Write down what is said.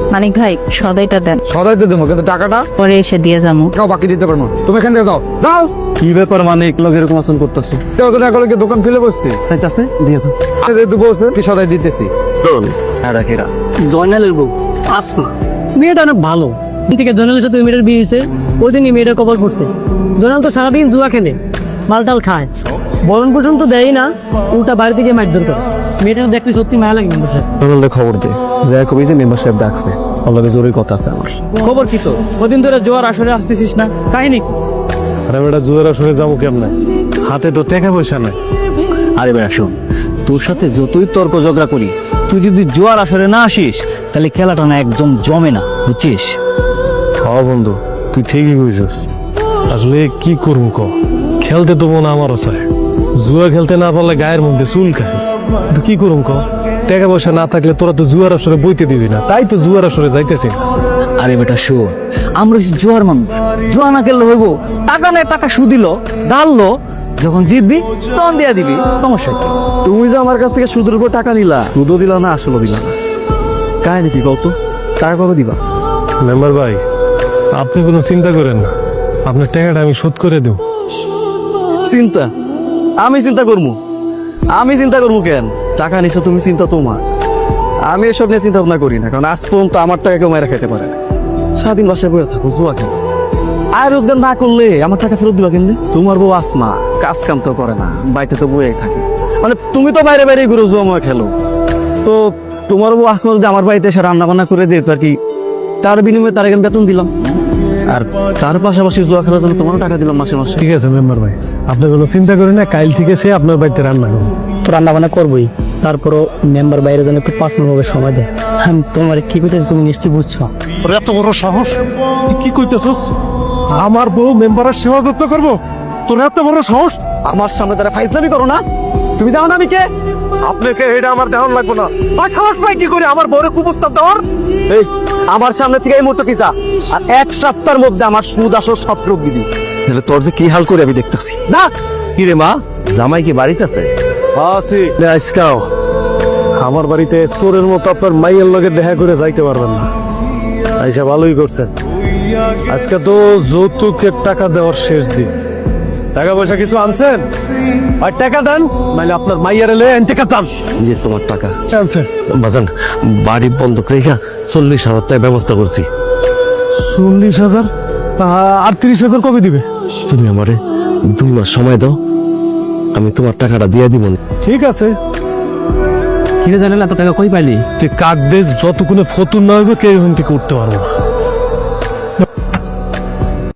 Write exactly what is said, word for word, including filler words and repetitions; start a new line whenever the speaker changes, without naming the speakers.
মানিক ভাই সদাইটা দেন।
সদাই তো দেবো, কিন্তু টাকাটা
পরে এসে দিয়ে যাবো।
কাউ বাকি দিতে পারবো না। তুমি এখান থেকে দাও দাও।
কি ব্যাপার মানিক, লোক এরকম আচরণ করতেছো?
তেরো দিন আগে কি দোকান খুলে বসছি?
আছে দিয়ে দাও।
যেহেতু বলছেন কি সদাই দিতেছি।
জয়নালের বউ আসমা, মেয়েটা অনেক ভালো। থেকে জয়নালের সাথে ওই মেয়েটার বিয়ে হয়েছে, ওই দিনই মেয়েটা কবল করছে। জয়নাল তো সারাদিন জুয়া খেলে, মালটাল খায়, বরণ পর্যন্ত দেয় না, উল্টা বাড়ি থেকে মারধর করে। মেয়েটা দেখতে সত্যি মায়া লাগে মেম্বার সাহেব।
জয়নালের খবর দে, যা কবি যে মেম্বার সাহেব ডাকছে, অলরেডি জরুরি কথা আছে আমার।
খবর কি তো? কদিন ধরে জোয়ার আসরে আসতেছিস না, কাহিনী?
আরে বেটা, জুয়ার আসরে যাবো কেমনে? হাতে তো টাকা পয়সা নাই।
আরে বেটা শোন, তোর সাথে যতই তর্ক ঝগড়া করি, তুই যদি জোয়ার আসরে না আসিস তাহলে খেলাটা না একদম জমে না, বুঝছিস?
হ্যাঁ বন্ধু, তুই ঠিকই কইছিস। আসলে কি করবো ক, খেলতে তো মনে আমারও চায়। জুয়া খেলতে না পারলে গায়ের মধ্যে চুল খায়। কিন্তু কি করুম ক, টাকা পয়সা না থাকলে তোরা তো জুয়ার আসরে বইতে দিবি না, তাই তো জুয়ার আসরে যাইতেছি না।
আরে বেটা শোন, আমরা হচ্ছি জোয়ার মানুষ, জোয়া না খেললে হইব? টাকা নেই, টাকা সুদিল ডাললো, যখন জিতবি তখন দিয়া দিবি, সমস্যা কি?
তুমি যে আমার কাছ থেকে সুদের উপর টাকা নিলা, সুদও দিলা না আসলও দিলা না, কাহিনী কি কত? টাকা কবে দিবা? মেম্বার ভাই, আপনি কোনো চিন্তা করেন না, আপনার টাকাটা আমি শোধ করে দেব।
চিন্তা? আমি চিন্তা করবো? আমি চিন্তা করবো কেন? টাকা নিছো তুমি, চিন্তা তোমার। আমি এসব নিয়ে চিন্তা ভাবনা করি না, কারণ আজ পর্যন্ত আমার টাকা কেউ মেরে খেতে পারে না। সারাদিন বাসায় বসে থাকো, জুয়া খেলো। আর রোজগার না করলে আমার টাকা ফেরত দিবা কেমনে? তোমার বউ আসমা কাজ কাম তো করে না, বাড়িতে তো বয়ে থাকে। মানে তুমি তো বাইরে বাইরে ঘুরে জুয়া ময় খেলো, তো তোমার বউ আসমা যদি আমার বাড়িতে এসে রান্না বান্না করে যেত আর কি, তার বিনিময়ে তার এখানে বেতন দিলাম, আর তার পাশাপাশি জুয়া খেলার জন্য তোমারও টাকা দিলাম মাসে মাসে।
ঠিক আছে মেম্বার ভাই, আপনি কোনো চিন্তা করেন না, কাল থেকে সে আপনার বাড়িতে রান্না করবো।
তো রান্না বান্না করবোই, তারপরও মেম্বার বাইরে যেন একটু পার্সোনাল ভাবে সময় দেয়। হ্যাঁ, তোমার কি কইতেছি তুমি নিশ্চয়ই বুঝছো।
তোর এত বড় সাহস, তুই কি কইতেছস? আমার বউ মেম্বারের সেবা যত্ন করবো? তোর এত বড় সাহস?
আমার সামনে তারা ফাইজলামি করো না। তুমি জানো না আমি কে?
আপনাকে এটা আমার দেওয়ার লাগবে না। ভাই সাহস পাই কি করে আমার বউরে কুপ্রস্তাব দেওয়ার?
এই আমার সামনে থেকে এই মুহূর্তে কি যা, আর এক সপ্তাহের মধ্যে আমার সুদ আসল সব রোগ দিবি, তাহলে তোর যে কি হাল করে আমি দেখতেছি না।
কি রে মা, জামাই কি বাড়িতে আছে?
আছি আজকাও আমার বাড়িতে চোরের মতো আপনার মাইয়ের লগে দেখা করে যাইতে পারবেন না। আইসা ভালোই করছেন। আজকে তো যৌতুকের টাকা দেওয়ার শেষ দিন, টাকা পয়সা কিছু আনছেন? আর টাকা দেন, নাহলে আপনার মাইয়ার এলে টাকা দাম।
যে তোমার টাকা
আনছেন?
বাজান, বাড়ি বন্ধক রেখা চল্লিশ হাজার টাকা ব্যবস্থা করছি।
চল্লিশ হাজার? আর তিরিশ হাজার কবে দিবে?
তুমি আমারে দুই মাস সময় দাও, আমি তোমার টাকাটা দিয়ে দিব।
ঠিক আছে।
কিরে জানেন এত টাকা কই পাইলি?
তুই কাক দেশ যতক্ষণে ফতুর না হইবে কেউ এখান থেকে উঠতে পারবো না।